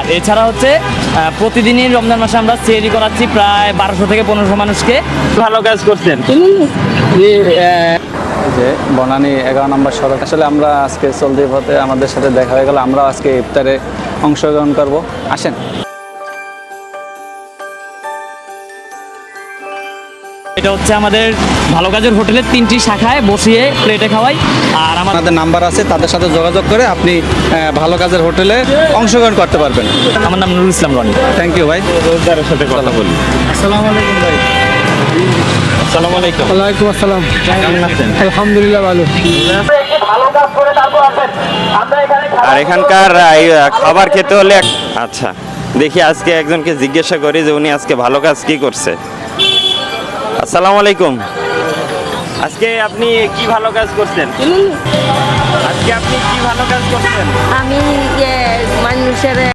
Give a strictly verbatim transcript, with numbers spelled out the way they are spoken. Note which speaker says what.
Speaker 1: আর এছাড়া হচ্ছে আহ, প্রতিদিনই রমজান মাসে আমরা সেহরি করাচ্ছি প্রায় বারোশো থেকে পনেরোশো মানুষকে। ভালো কাজ করছেন।
Speaker 2: যে বনানী এগারো নম্বর সড়ক, আসলে আমরা আজকে চলতি পথে আমাদের সাথে দেখা হয়ে গেল, আমরা আজকে ইফতারে অংশগ্রহণ করব। আসেন।
Speaker 1: এটা হচ্ছে আমাদের ভালো কাজের হোটেলের তিনটি শাখায় বসিয়ে প্লেটে খাওয়াই। আর আমার
Speaker 2: আমাদের নাম্বার আছে, তাদের সাথে যোগাযোগ করে আপনি আহ, ভালো কাজের হোটেলে অংশগ্রহণ করতে পারবেন।
Speaker 1: আমার নাম নুরুল ইসলাম রনি।
Speaker 2: থ্যাংক ইউ ভাই।
Speaker 1: রোজদারের সাথে কথা বলি।
Speaker 2: আসসালামু আলাইকুম ভাই।
Speaker 1: আসসালামু আলাইকুম।
Speaker 3: ওয়ালাইকুম আসসালাম।
Speaker 1: কেমন আছেন?
Speaker 3: আলহামদুলিল্লাহ ভালো।
Speaker 4: আর এখানকার এই, খাবার খেতে হলে এক- আচ্ছা দেখি আজকে একজনকে জিজ্ঞাসা করি যে উনি আজকে ভালো কাজ কি করছে। আসসালামু আলাইকুম। আজকে আপনি কি ভালো কাজ করছেন? আজকে আপনি কি ভালো কাজ করছেন?
Speaker 5: আমি ইয়ে মানুষের